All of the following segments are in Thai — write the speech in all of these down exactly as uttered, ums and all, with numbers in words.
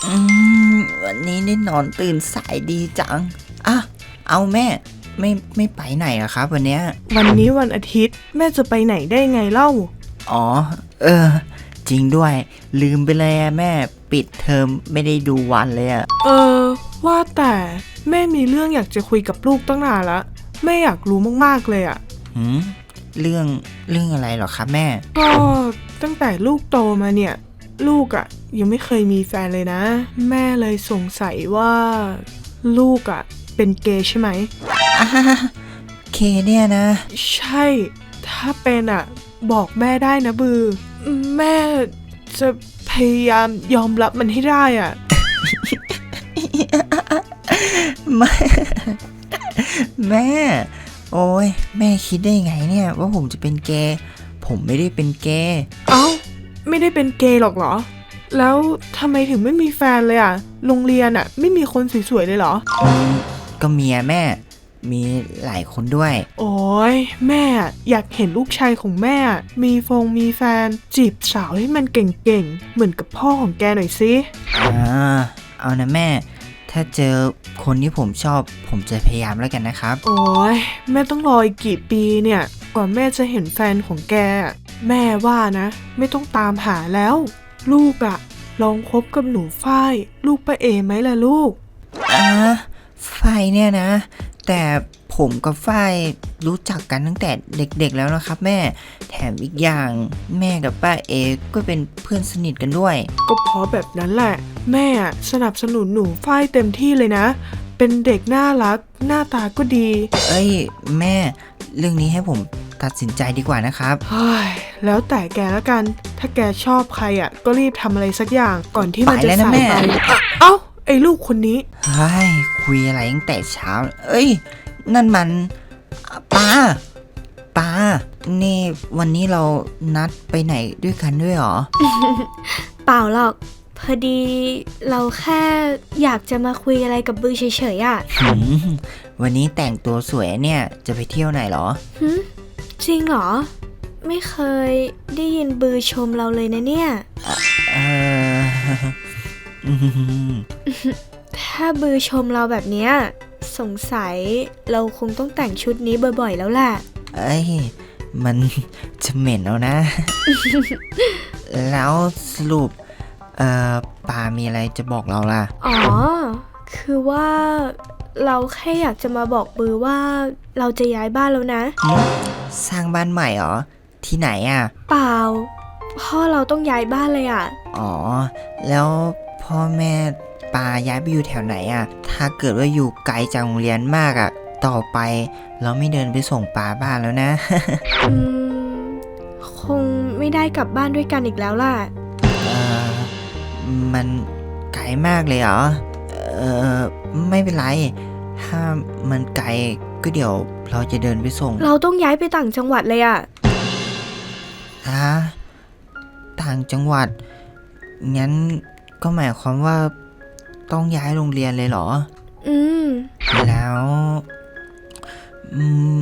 อืมวันนี้ได้นอนตื่นสายดีจังอ่ะเอาแม่ไม่ไม่ไปไหนอะครับวันเนี้ยวันนี้วันอาทิตย์แม่จะไปไหนได้ไงเล่าอ๋อเออจริงด้วยลืมไปเลยอะแม่ปิดเทอมไม่ได้ดูวันเลยอะเออว่าแต่แม่มีเรื่องอยากจะคุยกับลูกตั้งนานละแม่อยากรู้มากๆเลยอะหืมเรื่องเรื่องอะไรหรอครับแม่ก็ตั้งแต่ลูกโตมาเนี่ยลูกอะยังไม่เคยมีแฟนเลยนะแม่เลยสงสัยว่าลูกอะเป็นเกย์ใช่ไหมอ่าเคเนี่ยนะใช่ถ้าเป็นอะบอกแม่ได้นะบือแม่จะพยายามยอมรับมันให้ได้อะแม่แม่โอ้ยแม่คิดได้ไงเนี่ยว่าผมจะเป็นเกย์ผมไม่ได้เป็นเกย์เอ้าไม่ได้เป็นเกย์หรอกเหรอแล้วทำไมถึงไม่มีแฟนเลยอ่ะโรงเรียนอ่ะไม่มีคนสวยๆเลยเหรออืมก็เมียแม่มีหลายคนด้วยโอ้ยแม่อยากเห็นลูกชายของแม่มีฟงมีแฟนจีบสาวให้มันเก่งๆเหมือนกับพ่อของแกหน่อยสิอ่าเอานะแม่ถ้าเจอคนที่ผมชอบผมจะพยายามแล้วกันนะครับโอ้ยแม่ต้องรออีกกี่ปีเนี่ยกว่าแม่จะเห็นแฟนของแกแม่ว่านะไม่ต้องตามหาแล้วลูกอะลองคบกับหนูฝ้ายลูกป้าเอไหมล่ะลูกอ่าฝ้ายเนี่ยนะแต่ผมกับฝ้ายรู้จักกันตั้งแต่เด็กๆแล้วนะครับแม่แถมอีกอย่างแม่กับป้าเอก็เป็นเพื่อนสนิทกันด้วยก็เพราะแบบนั้นแหละแม่สนับสนุนหนูฝ้ายเต็มที่เลยนะเป็นเด็กน่ารักหน้าตาก็ดีเอ้ยแม่เรื่องนี้ให้ผมตัดสินใจดีกว่านะครับเฮ้ยแล้วแต่แกแล้วกันถ้าแกชอบใครอ่ะก็รีบทำอะไรสักอย่างก่อนที่มันจะสายไปเอ้าไอ้ลูกคนนี้เฮ้ยคุยอะไรตั้งแต่เช้าเอ้ยนั่นมันป้าป้านี่วันนี้เรานัดไปไหนด้วยกันด้วยหรอเปล่าหรอกพอดีเราแค่อยากจะมาคุยอะไรกับบือเฉยๆอ่ะวันนี้แต่งตัวสวยเนี่ยจะไปเที่ยวไหนหรอจริงเหรอไม่เคยได้ยินบือชมเราเลยนะเนี่ยเออถ้าบือชมเราแบบเนี้ยสงสัยเราคงต้องแต่งชุดนี้บ่อยๆแล้วแหละเอ้ยมันจะเหม็นแล้วนะ แล้วสรุปเอ่อปามีอะไรจะบอกเราล่ะอ๋อคือว่าเราแค่อยากจะมาบอกบือว่าเราจะย้ายบ้านแล้วนะสร้างบ้านใหม่เหรอที่ไหนอ่ะเปล่าพ่อเราต้องย้ายบ้านเลยอ่ะอ๋อแล้วพ่อแม่ปาย้ายไปอยู่แถวไหนอ่ะถ้าเกิดว่าอยู่ไกลจากโรงเรียนมากอ่ะต่อไปเราไม่เดินไปส่งปาบ้านแล้วนะอืมคงไม่ได้กลับบ้านด้วยกันอีกแล้วล่ะเออมันไกลมากเลยเหรอเออไม่เป็นไรถ้ามันไกลก็เดี๋ยวเราจะเดินไปส่งเราต้องย้ายไปต่างจังหวัดเลยอ่ะฮะต่างจังหวัดงั้นก็หมายความว่าต้องย้ายโรงเรียนเลยเหรออืมแล้วอืม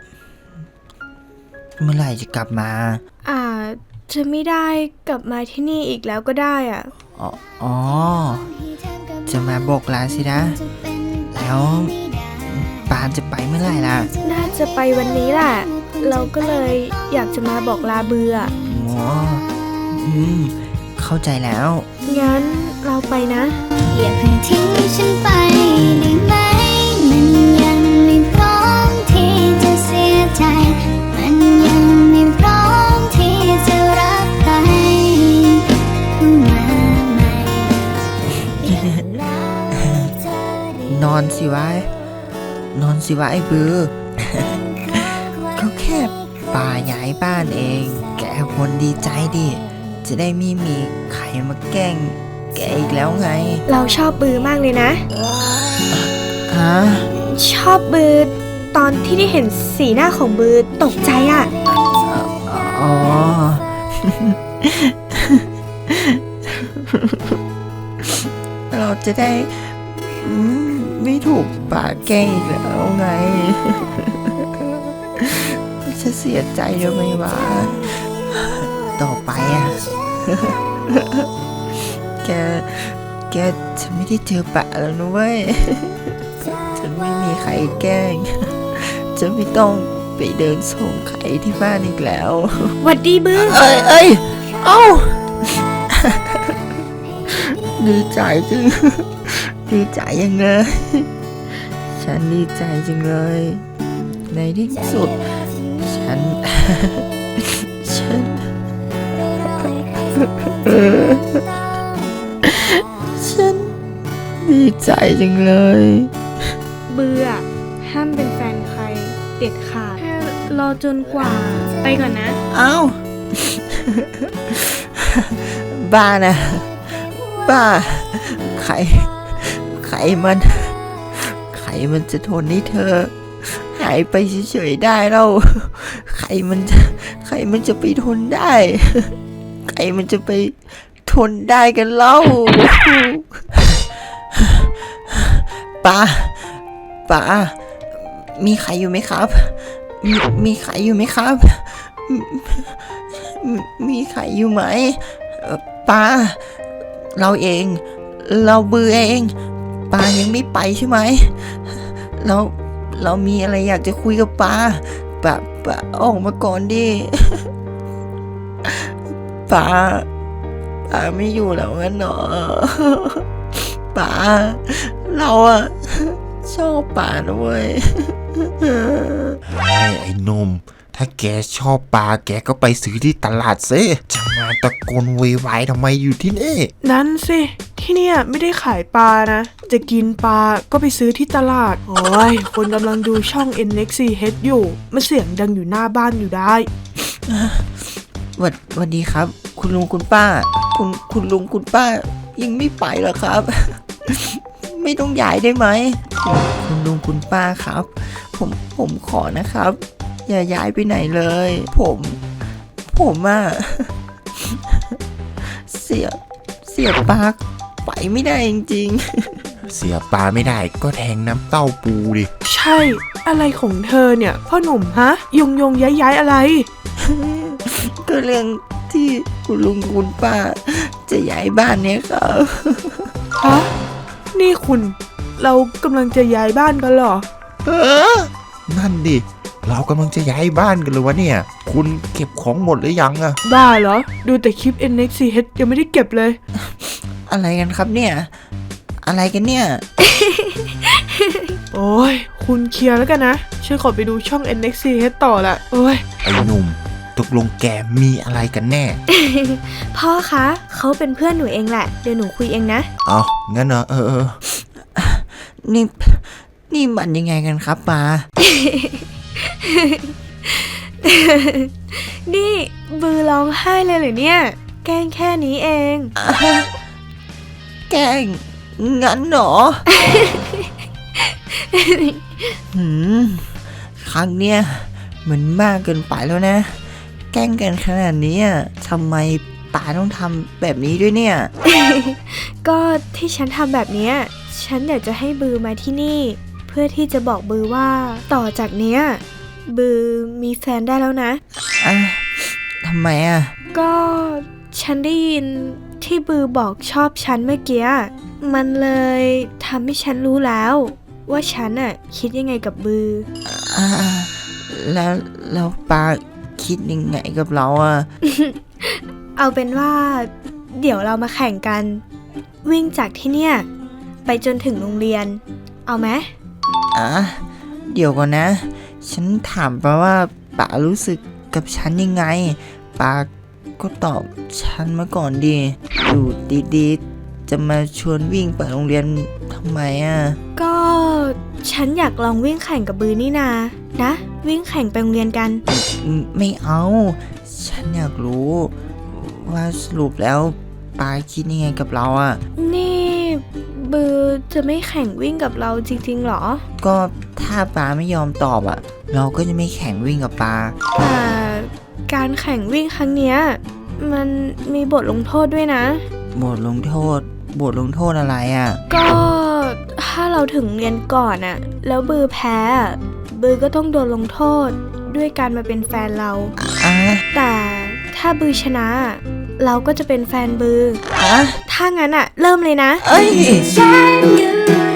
เมื่อไหร่จะกลับมาอาจจะไม่ได้กลับมาที่นี่อีกแล้วก็ได้อ่ะอ๋ออ๋อจะมาบอกลาสินะแล้วปานจะไปเมื่อไหร่ล่ะน่าจะไปวันนี้แหละเราก็เลยอยากจะมาบอกลาเบื่ออ๋ออืมเข้าใจแล้วงั้นเราไปนะอย่าเพิ่งทิ้งฉันไปได้ไหมมันยังไม่พร้อมที่จะเสียใจมันยังไม่พร้อมที่จะรักใครเข้ามาใหม่นอนสิวะนอนสิวะไอ้บือ ก็แค่ป่าย้ายบ้านเองแกคนดีใจดิจะได้ไม่มีใครมาแกล้งแกอีกแล้วไงเราชอบบือมากเลยนะฮะชอบบือตอนที่ได้เห็นสีหน้าของบือตกใจอ่ะอ๋อเราจะได้ไม่ถูกป่าแกล้งอีกแล้วไงจะเสียใจทำไมวะต่อไปอ่ะแกแกแกฉันไม่ได้เจอปะแล้วนะเว้ย ฉันไม่มีใครแกล้ง จะไม่ต้องไปเดินส่งใครที่บ้านอีกแล้วหวัดดีบือเอ้ยเอ้ยเอ้า ดีใจจัง ดีใจยังเลย ฉันดีใจจังเลย ในที่สุด ฉัน ฉัน ฉันดีใจจังเลยบืออะห้ามเป็นแฟนใครเด็ดขาดแค่รอจนกว่าไปก่อนนะเอ้า บ้านะ บ้า ใคร ใครมัน ใครมันจะทนให้เธอ หายไปเฉยๆได้เล่าใครมันจะ ใครมันจะไปทนได้ ใครมันจะไปทนได้กันเล่าป้าป้ามีใครอยู่ไหมครับ มีมีใครอยู่ไหมครับ มีมีใครอยู่ไหมเอ่อป้า เราเอง เราเบื่อเองป้ายังไม่ไปใช่ไหม เราเรามีอะไรอยากจะคุยกับป้าป้าป้าออกมาก่อนดิ ป้าป้าไม่อยู่แล้วงั้นเหรอ ป้าเราอะชอบป้านะเว้ยไอ้ไอ้หนุ่มถ้าแกชอบปลาแกก็ไปซื้อที่ตลาดซิจะมาตะโกนโวยวายทำไมอยู่ที่นี่นั่นสิ ที่เนี่ยไม่ได้ขายปลานะ จะกินปลาก็ไปซื้อที่ตลาด โอ้ย คนกำลังดูช่อง เอ็น เอ็กซ์ ซี เอช อยู่มันเสียงดังอยู่หน้าบ้านอยู่ได้วัดวันดีครับ คุณลุงคุณป้า คุณคุณลุงคุณป้า ยังไม่ไปเหรอครับ ไม่ต้องย้ายได้ไหม คุณลุงคุณป้าครับ ผมผมขอนะครับ อย่าย้ายไปไหนเลย ผม ผมอะ เสียเสียปากไปไม่ได้จริงเสียปลาไม่ได้ก็แทงน้ำเต้าปูดิใช่ อะไรของเธอเนี่ย พ่อหนุ่มฮะ ยงยงย้ายย้ายอะไรๆ ก็เรื่องที่คุณลุงคุณป้า จะย้ายบ้านเนี่ยครับฮะ นี่คุณ เรากำลังจะย้ายบ้านกันเหรอเออนั่นดิ เรากำลังจะย้ายบ้านกันเลยวะเนี่ย คุณเก็บของหมดหรือยังอะบ้าเหรอ ดูแต่คลิป เอ็น เอ็กซ์ ซี เอช ยังไม่ได้เก็บเลยอะไรกันครับเนี่ย อะไรกันเนี่ยโอ้ย คุณเคลียร์แล้วกันนะ ฉันขอไปดูช่อง เอ็น เอ็กซ์ ซี เอช ต่อละโอ้ยไอ้หนุ่มตกลงแกมีอะไรกันแน่พ่อคะ เขาเป็นเพื่อนหนูเองแหละ เดี๋ยวหนูคุยเองนะเอางั้นเหรอเออเออนี่ นี่มันยังไงกันครับป้านี่บือร้องไห้เลยเหรือเนี่ย แกล้งแค่นี้เองแกล้งงั้นเหรอ หืม ครั้งเนี้ยมันมากเกินไปแล้วนะ แกล้งกันขนาดนี้อะทำไมป้าต้องทำแบบนี้ด้วยเนี่ยก็ที่ฉันทำแบบเนี้ย ฉันอยากจะให้บือมาที่นี่ เพื่อที่จะบอกบือว่าต่อจากเนี้ย บือมีแฟนได้แล้วนะอ่ะทำไมอ่ะก็ฉันได้ยินที่บือบอกชอบฉันเมื่อกี้มันเลยทำให้ฉันรู้แล้ว ว่าฉันอะคิดยังไงกับบืออ่า แล้วแล้วป้าคิดยังไงกับเราอ่ะเอาเป็นว่า เดี๋ยวเรามาแข่งกัน วิ่งจากที่เนี่ย ไปจนถึงโรงเรียน เอาไหมอ่ะ เดี๋ยวก่อนนะ ฉันถามป้าว่าป้ารู้สึกกับฉันยังไงป้าก็ตอบฉันมาก่อนดิอยู่ดีๆจะมาชวนวิ่งไปโรงเรียนทำไมอ่ะก็ฉันอยากลองวิ่งแข่งกับบือนี่นานะ วิ่งแข่งไปโรงเรียนกันไม่ไม่เอา ฉันอยากรู้ ว่าสรุปแล้วป้าคิดยังไงกับเราอ่ะนี่บือจะไม่แข่งวิ่งกับเราจริงๆหรอก็ถ้าป้าไม่ยอมตอบอ่ะ เราก็จะไม่แข่งวิ่งกับป้าแต่การแข่งวิ่งครั้งเนี้ยมันมีบทลงโทษด้วยนะบทลงโทษ บทลงโทษอะไรอ่ะก็ถ้าเราถึงเรียนก่อนอะแล้วบือแพ้อะบือก็ต้องโดนลงโทษด้วยการมาเป็นแฟนเราอ่ะแต่ถ้าบือชนะเราก็จะเป็นแฟนบือฮะถ้างั้นอะเริ่มเลยนะเอ้ยฉันอยู่